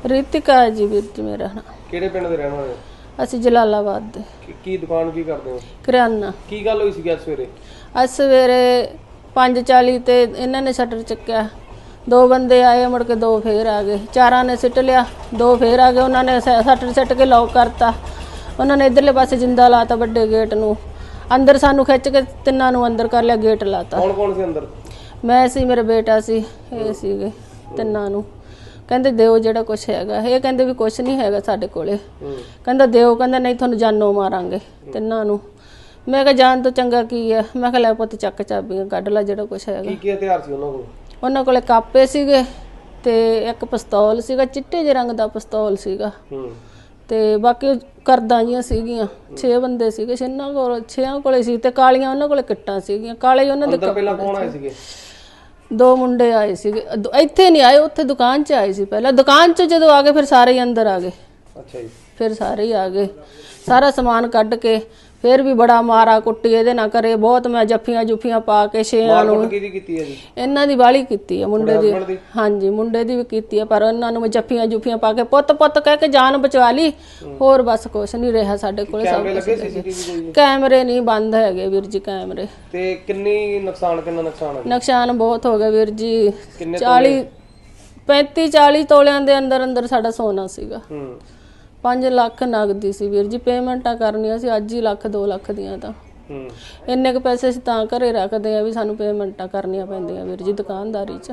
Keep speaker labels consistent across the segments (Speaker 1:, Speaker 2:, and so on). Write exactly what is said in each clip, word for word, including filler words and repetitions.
Speaker 1: ਰੀਤਿਕਾ ਜੀ ਵੀਰ ਜੀ ਮੇਰਾ ਨਾਮ।
Speaker 2: ਕਿਹੜੇ ਪਿੰਡ ਦੇ ਰਹਿਣ ਵਾਲੇ?
Speaker 1: ਅਸੀਂ ਜਲਾਲਾਬਾਦ ਦੇ।
Speaker 2: ਕੀ ਦੁਕਾਨ ਕੀ ਕਰਦੇ ਹੋ?
Speaker 1: ਕਰਿਆਨਾ।
Speaker 2: ਕੀ ਗੱਲ ਹੋਈ ਸੀ ਅੱਜ ਸਵੇਰੇ?
Speaker 1: ਅੱਜ ਸਵੇਰੇ ਪੰਜ ਚਾਲੀ ਤੇ ਇਹਨਾਂ ਨੇ ਸ਼ਟਰ ਚੱਕਿਆ, ਦੋ ਬੰਦੇ ਆਏ, ਮੁੜ ਕੇ ਦੋ ਫੇਰ ਆ गए, ਚਾਰਾਂ ने सिट लिया, दो फिर आ गए, उन्होंने शटर सिट के लॉक करता, उन्होंने इधरले पासे जिंदा लाता बड़े गेट नूं, अंदर सानू खिच के तिन्नां नूं अंदर कर लिया, गेट लाता।
Speaker 2: कौन कौन सी अंदर?
Speaker 1: मैं सी, मेरा बेटा सी, ये सीगे तिन्नां नूं। कहंदे दिओ जिहड़ा कुछ हैगा, ये कहंदे भी कुछ नहीं हैगा साडे कोले, कहंदा दिओ, कहंदा नहीं तुहानूं जानों मारांगे तिन्नां नूं। मैं कहा जान तो चंगा की है, मैं कहा लै पुत्त चक चाबियां कढ ला जिहड़ा कुछ हैगा।
Speaker 2: की की हथियार सी उन्हां कोल? उन्हां कोले कापे सीगे ते एक पिस्तौल सीगा, चिट्टे जे रंग दा पिस्तौल सीगा, ते बाकी करदां जियां सीगियां, छे बंदे सीगे, छेनां कोल छेआं कोले सी ते कालियां उन्हां कोले किट्टां सीगियां, काले उन्हां दे अंदर पहला कौन आए सीगे?
Speaker 1: दो मुंडे आए सीगे, इत्थे नहीं आए, उत्थे दुकान च आए सी पहला, दुकान च जदों आ गए फिर सारे ही अंदर आ गए। अच्छा जी। फिर सारे ही आ गए, सारा समान कढ़ के फिर भी बड़ा मारा कुट्टी इहदे नाल करे, बहुत मैं जफ्फियां जुफ्फियां पा के छेआं नूं। किहदी कीती है जी? इन्हां दी वाली कीती है मुंडे दी। हाँ जी, मुंडे दी भी कीती है, पर इन्हां नूं जफ्फियां जुफ्फियां पा के पुत्त पुत्त कह के जान बचा ली, होर बस कुछ नहीं रहा साडे कोल। कैमरे लगे सीसीटीवी? कैमरे नहीं बंद हैगे वीर जी कैमरे। ते किन्नी नुकसान किन्ना नुकसान है? नुकसान बहुत हो गया वीर जी, चाली पैंती चाली तोलियां दे अंदर अंदर साडा सोना सीगा। पांच लाख नगदी सी वीर जी, पेमेंटा करनियां सी अज ही लख दो लख दियां तां इन्ने क पैसे असीं तां घरे रखदे आ भी सानू पेमेंटा करनियां पैंदियां वीर जी दुकानदारी च।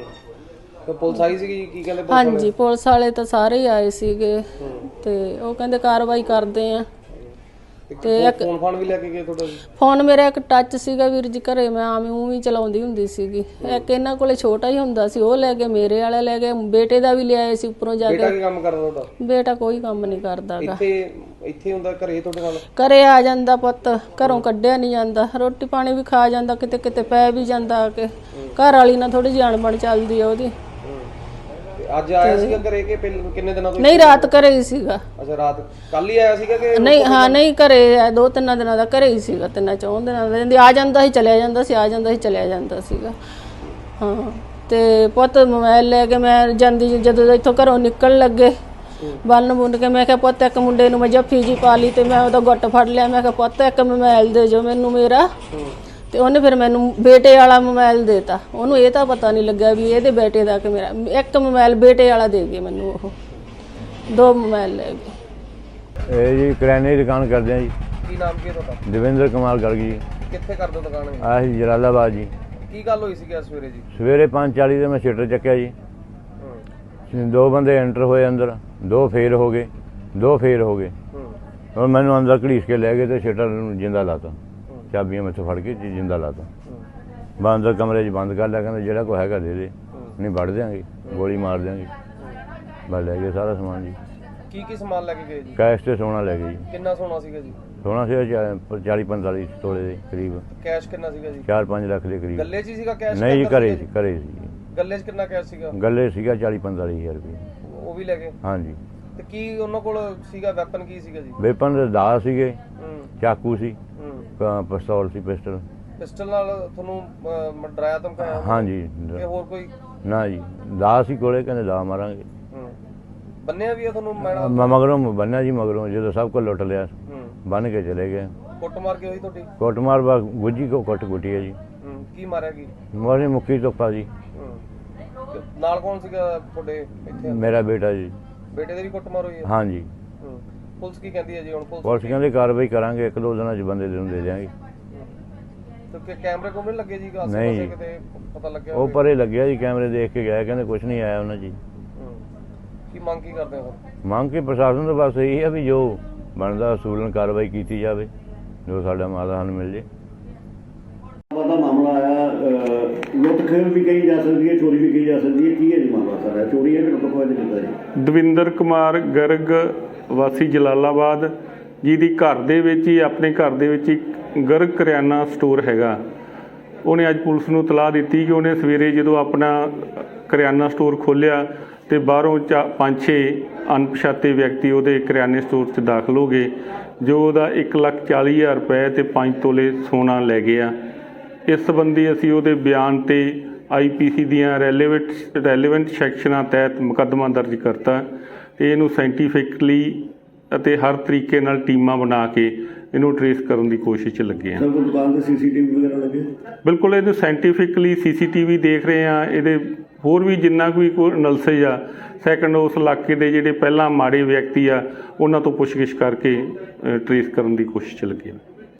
Speaker 1: ते पुलिस आई सी की कहंदे? हाँ जी, पुलिस वाले तां सारे ही आए सीगे ते ओह कहंदे कार्रवाई करदे आ। ते एक फोन फोन भी लेके गए तुहाडा? फोन मेरा एक टच सीगा वीर जी घरे, मैं आम ऊं भी चलाउंदी हुंदी सीगी, एक इन्हां कोले छोटा ही हुंदा सी, ओह ले गए, मेरे वाले ले गए, बेटे दा भी ले आए सी उपरों जाके। बेटा की काम करदा तुहाडा? बेटा कोई काम नहीं करदागा, इत्थे इत्थे हुंदा घरे तुहाडे नाल? घरे आ जांदा पुत्त, घरों कड्ढिया नहीं जांदा, रोटी पानी भी खा जांदा, किते किते पै भी जांदा आके, घर वाली नाल थोड़ी जी अणबण चलदी आ ओहदी। आज आया सीगा घरे के किन्ने दिनों तो? नहीं, रात घरे ही सीगा। अच्छा, रात कल ही आया सीगा कि नहीं? हाँ नहीं, घरे दो तीन दिनों दा घरे ही सीगा, तीन चौं दिनों दा आ जांदा ही चलिया जांदा सी, आ जांदा ही चलिया जांदा सीगा। हाँ ते पुत्त मोबाइल ले के मैं जांदी जदों इत्थों घरों निकल लगे बन बुन के, मैं कहा पुत्त एक मुंडे नूं मैं जफ्फी जी पा ली ते मैं ओहदा गुੱਟ फड़ लिया, मैं कहा पुत्त एक मोबाइल दे जो मैनू मेरा, ਤੇ ਉਹਨੇ ਫਿਰ ਮੈਨੂੰ ਬੇਟੇ ਵਾਲਾ ਮੋਬਾਈਲ ਦੇਤਾ, ਉਹਨੂੰ ਇਹ ਤਾਂ ਪਤਾ ਨਹੀਂ ਲੱਗਾ ਵੀ ਇਹਦੇ ਬੇਟੇ ਦਾ ਕਿ ਮੇਰਾ, ਇੱਕ ਮੋਬਾਈਲ ਬੇਟੇ ਵਾਲਾ ਦੇ ਗਏ ਮੈਨੂੰ, ਉਹ ਦੋ ਮੋਬਾਈਲ ਲੈ ਗਏ।
Speaker 3: ਇਹ ਜੀ ਕਰਿਆਨੇ ਦੀ ਦੁਕਾਨ ਕਰਦੇ ਆ ਜੀ।
Speaker 2: ਕੀ ਨਾਮ ਕੀ ਹੈ ਤੁਹਾਡਾ?
Speaker 3: ਦਵਿੰਦਰ ਕੁਮਾਰ ਗਰਗ ਜੀ।
Speaker 2: ਕਿੱਥੇ ਕਰਦੇ ਹੋ ਦੁਕਾਨ?
Speaker 3: ਆਹੀ ਜਲਾਲਾਬਾਦ ਜੀ।
Speaker 2: ਕੀ ਗੱਲ ਹੋਈ ਸੀ ਕਿ ਸਵੇਰੇ ਜੀ?
Speaker 3: ਸਵੇਰੇ ਪੰਜ ਚਾਲੀ ਤੇ ਮੈਂ ਸ਼ਟਰ ਚੱਕਿਆ ਜੀ, ਦੋ ਬੰਦੇ ਐਂਟਰ ਹੋਏ ਅੰਦਰ, ਦੋ ਫੇਰ ਹੋ ਗਏ, ਦੋ ਫੇਰ ਹੋ ਗਏ, ਹੁਣ ਮੈਨੂੰ ਅੰਦਰ ਘੜੀਸ ਕੇ ਲੈ ਗਏ ਤੇ ਸ਼ਟਰ ਨੂੰ ਜਿੰਦਾ ਲਾਤਾ, ਚਾਬੀਆਂ ਮੈਥੋਂ ਫੜ ਕੇ ਜਿੰਦਾ ਲਾਤਾ, ਬਾ ਅੰਦਰ ਕਮਰੇ 'ਚ ਬੰਦ ਕਰ ਲਿਆ, ਕਹਿੰਦਾ ਜਿਹੜਾ ਕੋਈ ਹੈਗਾ ਦੇ ਦੇ, ਨਹੀਂ ਵੜ ਦਿਆਂਗੇ, ਗੋਲੀ ਮਾਰ ਦਿਆਂਗੇ, ਬਸ ਲੈ ਗਏ ਸਾਰਾ ਸਮਾਨ ਜੀ। ਕੀ ਕੀ ਸਮਾਨ ਲੈ ਕੇ ਗਏ ਜੀ? ਕੈਸ਼ ਤੇ ਸੋਨਾ ਲੈ ਗਏ ਜੀ। ਕਿੰਨਾ ਸੋਨਾ ਸੀਗਾ ਜੀ? ਸੋਨਾ ਸੀਗਾ ਚਾਲੀ ਪੰਤਾਲੀ ਤੋਲੇ ਦੇ ਕਰੀਬ। ਕੈਸ਼ ਕਿੰਨਾ ਸੀਗਾ ਜੀ? ਚਾਰ ਪੰਜ ਲੱਖ ਦੇ ਕਰੀਬ। ਗੱਲੇ 'ਚ ਹੀ ਸੀਗਾ ਕੈਸ਼? ਨਹੀਂ ਜੀ, ਘਰੇ ਸੀ, ਘਰੇ ਸੀ। ਗੱਲੇ 'ਚ ਕਿੰਨਾ ਕੈਸ਼ ਸੀਗਾ? ਗੱਲੇ ਸੀਗਾ ਚਾਲੀ ਪੰਤਾਲੀ ਹਜ਼ਾਰ ਰੁਪਏ। ਉਹ ਵੀ ਲੈ ਗਏ? ਹਾਂਜੀ। ਤੇ ਕੀ ਉਹਨਾਂ ਕੋਲ ਸੀਗਾ ਵੈਪਨ, ਕੀ ਸੀਗਾ ਜੀ? ਵੈਪਨ ਦਾ ਸੀਗੇ, ਚਾਕੂ ਸੀ, ਪਿਸਤੌਲ ਸੀ, ਪਿਸਟਲ। ਪਿਸਟਲ ਨਾਲ ਤੁਹਾਨੂੰ ਡਰਾਇਆ ਧਮਕਾਇਆ? ਹਾਂਜੀ। ਕਿ ਹੋਰ ਕੋਈ? ਨਾ ਜੀ, ਦਾ ਸੀ ਕੋਲੇ, ਕਹਿੰਦੇ ਦਾ ਮਾਰਾਂਗੇ। ਬੰਨਿਆ ਵੀ ਆ ਤੁਹਾਨੂੰ? ਮੈਂ ਮਗਰੋਂ ਬੰਨਿਆ ਜੀ, ਮਗਰੋਂ ਜਦੋਂ ਸਭ ਕੁਝ ਲੁੱਟ ਲਿਆ ਬੰਨ ਕੇ ਚਲੇ ਗਏ। ਕੁੱਟ ਮਾਰ ਕੇ ਹੋਈ ਤੁਹਾਡੀ? ਕੁੱਟ ਮਾਰ ਬਾ ਗੁੱਜੀ ਕੋ ਕੁੱਟ ਕੁੱਟੀ ਹੈ ਜੀ। ਕੀ ਮਾਰਿਆ? ਕੀ ਮਾਰੇ? ਮੁੱਕੀ ਤੋਪਾ ਜੀ। ਨਾਲ ਕੌਣ ਸੀਗਾ ਤੁਹਾਡੇ ਇੱਥੇ? ਮੇਰਾ ਬੇਟਾ ਜੀ। ਬੇਟੇ ਦੇ ਵੀ ਕੁੱਟ ਮਾਰ ਹੋਈ ਹੈ? ਹਾਂਜੀ। ਪੁਲਿਸ ਕੀ ਕਹਿੰਦੀ ਹੈ ਜੀ ਹੁਣ? ਪੁਲਿਸ ਕਹਿੰਦੇ ਕਾਰਵਾਈ ਕਰਾਂਗੇ, ਇੱਕ ਦੋ ਦਿਨਾਂ 'ਚ ਬੰਦੇ ਨੂੰ ਦੇ ਦਿਆਂਗੇ। ਤੇ ਕੈਮਰੇ ਕੋਮਰੇ ਲੱਗੇ ਜੀ? ਨਹੀਂ, ਕਿਤੇ ਪਤਾ ਲੱਗਿਆ? ਉਹ ਪਰੇ ਲੱਗਿਆ ਜੀ, ਕੈਮਰੇ ਦੇਖ ਕੇ ਗਿਆ, ਕਹਿੰਦੇ ਕੁਝ ਨਹੀਂ ਆਇਆ ਉਹਨਾਂ ਜੀ। ਕੀ ਮੰਗ ਕੀ ਕਰਦੇ ਹੋ? ਮੰਗ ਕੇ ਪ੍ਰਸ਼ਾਸਨ ਤੋਂ ਬਸ ਇਹੀ ਹੈ ਵੀ ਜੋ ਬਣਦਾ ਅਸੂਲਨ ਕਾਰਵਾਈ ਕੀਤੀ ਜਾਵੇ, ਜੋ ਸਾਡਾ ਮਾਦਾ ਸਾਨੂੰ ਮਿਲ ਜੇ।
Speaker 4: ਦਾ ਮਾਮਲਾ ਆਇਆ, ਲੁੱਟ ਖੋਹ ਵੀ ਕਹੀ ਜਾ ਸਕਦੀ ਹੈ, ਚੋਰੀ ਵੀ ਕਹੀ ਜਾ ਸਕਦੀ ਹੈ, ਕੀ ਹੈ ਜੀ ਮਾਮਲਾ ਸਾਰਾ? ਚੋਰੀ ਹੈ ਕਿ ਲੁੱਟ ਖੋਹ ਕਿੱਦਾਂ ਜੀ? ਦਵਿੰਦਰ ਕੁਮਾਰ ਗਰਗ ਵਾਸੀ ਜਲਾਲਾਬਾਦ ਜੀ ਦੀ ਘਰ ਦੇ ਵਿੱਚ ਹੀ, ਆਪਣੇ ਘਰ ਦੇ ਵਿੱਚ ਇੱਕ ਗਰਗ ਕਰਿਆਨਾ ਸਟੋਰ ਹੈਗਾ। ਉਹਨੇ ਅੱਜ ਪੁਲਿਸ ਨੂੰ ਇਤਲਾਹ ਦਿੱਤੀ ਕਿ ਉਹਨੇ ਸਵੇਰੇ ਜਦੋਂ ਆਪਣਾ ਕਰਿਆਨਾ ਸਟੋਰ ਖੋਲ੍ਹਿਆ ਤੇ ਬਾਹਰੋਂ ਚਾ ਪੰਜ ਛੇ ਅਣਪਛਾਤੇ ਵਿਅਕਤੀ ਉਹਦੇ ਕਰਿਆਨੇ ਸਟੋਰ 'ਚ ਦਾਖਲ ਹੋ ਗਏ, ਜੋ ਉਹਦਾ ਇੱਕ ਲੱਖ ਚਾਲੀ ਹਜ਼ਾਰ ਰੁਪਏ ਤੇ ਪੰਜ ਤੋਲੇ ਸੋਨਾ ਲੈ ਗਏ ਆ। ਇਸ ਸੰਬੰਧੀ ਅਸੀਂ ਉਹਦੇ ਬਿਆਨ ਤੇ ਆਈ ਪੀ ਸੀ ਦੀਆਂ ਰੈਲੇਵੈਂਟ ਰੈਲੇਵੈਂਟ ਸੈਕਸ਼ਨਾਂ ਤਹਿਤ ਮੁਕੱਦਮਾ ਦਰਜ ਕਰਤਾ ਤੇ ਇਹਨੂੰ ਸਾਇੰਟੀਫਿਕਲੀ ਅਤੇ ਹਰ ਤਰੀਕੇ ਨਾਲ ਟੀਮਾਂ ਬਣਾ ਕੇ ਇਹਨੂੰ ਟਰੇਸ ਕਰਨ ਦੀ ਕੋਸ਼ਿਸ਼ 'ਚ ਲੱਗੇ ਆ।
Speaker 5: ਸਰ ਕੋਈ ਦੁਕਾਨ ਦੇ ਸੀਸੀਟੀਵੀ ਵਗੈਰਾ ਲੱਗੇ?
Speaker 4: ਬਿਲਕੁਲ ਇਹਨੂੰ ਸਾਇੰਟੀਫਿਕਲੀ ਸੀਸੀਟੀਵੀ ਦੇਖ ਰਹੇ ਆ, ਇਹਦੇ ਹੋਰ ਵੀ ਜਿੰਨਾ ਕੋਈ ਕੋਈ ਅਨਾਲਿਸਿਸ ਆ। ਸੈਕੰਡ ਉਸ ਇਲਾਕੇ ਦੇ ਜਿਹੜੇ ਪਹਿਲਾਂ ਮਾੜੇ ਵਿਅਕਤੀ ਆ ਉਹਨਾਂ ਤੋਂ ਪੁੱਛਗਿੱਛ ਕਰਕੇ ਟਰੇਸ ਕਰਨ ਦੀ ਕੋਸ਼ਿਸ਼ 'ਚ ਲੱਗੇ ਆ।